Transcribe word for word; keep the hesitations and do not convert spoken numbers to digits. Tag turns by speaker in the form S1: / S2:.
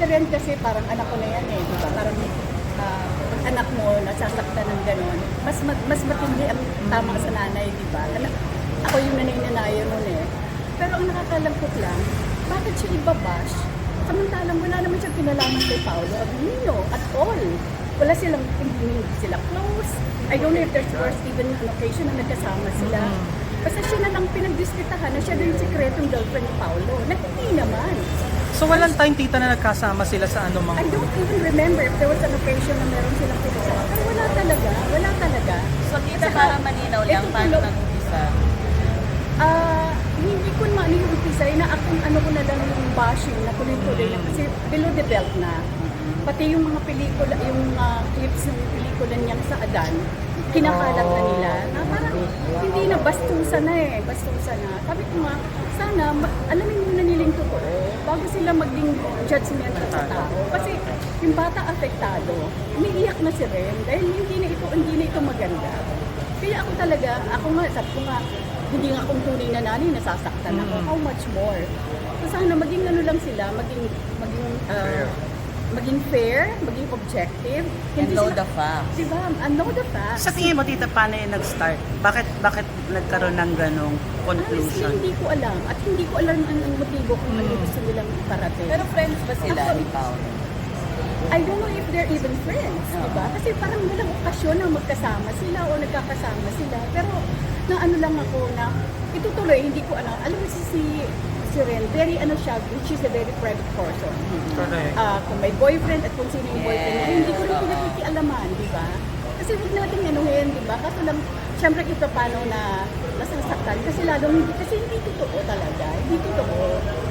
S1: Ren kasi parang anak ko na yan eh, di ba? Parang ah, pag anak mo nasasaktan ng gano'n, mas ma- mas matindi ang tama sa nanay, di ba? Anak, ako yung nanay-nanayo nun eh. Pero ang nakakalangkot lang, bakit siya ibabash? Samantalang wala naman siyang kinalaman kay Paolo Abilino at all. Wala silang, hindi sila close. I don't know if there's first even an occasion na nagkasama sila. Basta siya na lang pinagdiskitahan na siya din yung sikretong girlfriend ni Paolo. Na hindi naman.
S2: So walang time, tita, na nagkasama sila sa ano
S1: I
S2: mga...
S1: don't even remember if there was an occasion na meron silang pinagkasama. Pero wala talaga. Wala talaga.
S3: So, tita,
S1: At saka,
S3: para malinaw lang,
S1: ito
S3: paano
S1: tulo-
S3: nag-umpisa?
S1: Ah, hindi ko maano yung umpisa, na akong ano ko na lang yung bashing na tuloy-tuloy na kasi below the belt na. Pati yung mga pelikula, yung uh, clips ng pelikula niyang sa Adan, kinakalat na nila na parang hindi na bastusan na eh, bastusan na. Sabi ko nga, sana ma- alamin muna nilang totoo bago sila maging judgmental sa tao. Kasi yung bata apektado, umiiyak na si Ren dahil hindi na ito, hindi na ito maganda. Kaya ako talaga, ako nga, sabi ko nga, hindi nga akong tunay na nanay, nasasaktan ako. How much more? So sana maging ano lang sila, maging, maging, uh, maging fair, maging objective.
S3: And know
S1: sila-
S3: the facts.
S1: Diba? And know the facts.
S4: Sa tingin mo, tita, paano yung nag-start? Bakit bakit nagkaroon ng ganong
S1: Honestly,
S4: conclusion?
S1: hindi ko alam. At hindi ko alam ang, ang motibo kung ano gusto nilang iparating.
S3: Pero friends ba sila
S1: Ako-
S3: ni Paolo?
S1: I don't know if they're even friends, di ba? Kasi parang walang okasyon na magkasama sila o nagkakasama sila. Pero na ano lang ako na itutuloy, hindi ko alam. Alam mo si, si, si Ren, very ano siya, which is a very private person.
S2: Correct.
S1: Ah, kung may boyfriend at kung sino yung boyfriend niya,
S3: Yes,
S1: hindi ko rin
S3: oo.
S1: pinakikialaman, di ba? Kasi huwag natin anuhin, di ba? Kaso lang, syempre ito paano na nasasaktan. Kasi lalong hindi, kasi hindi totoo talaga. Hindi totoo.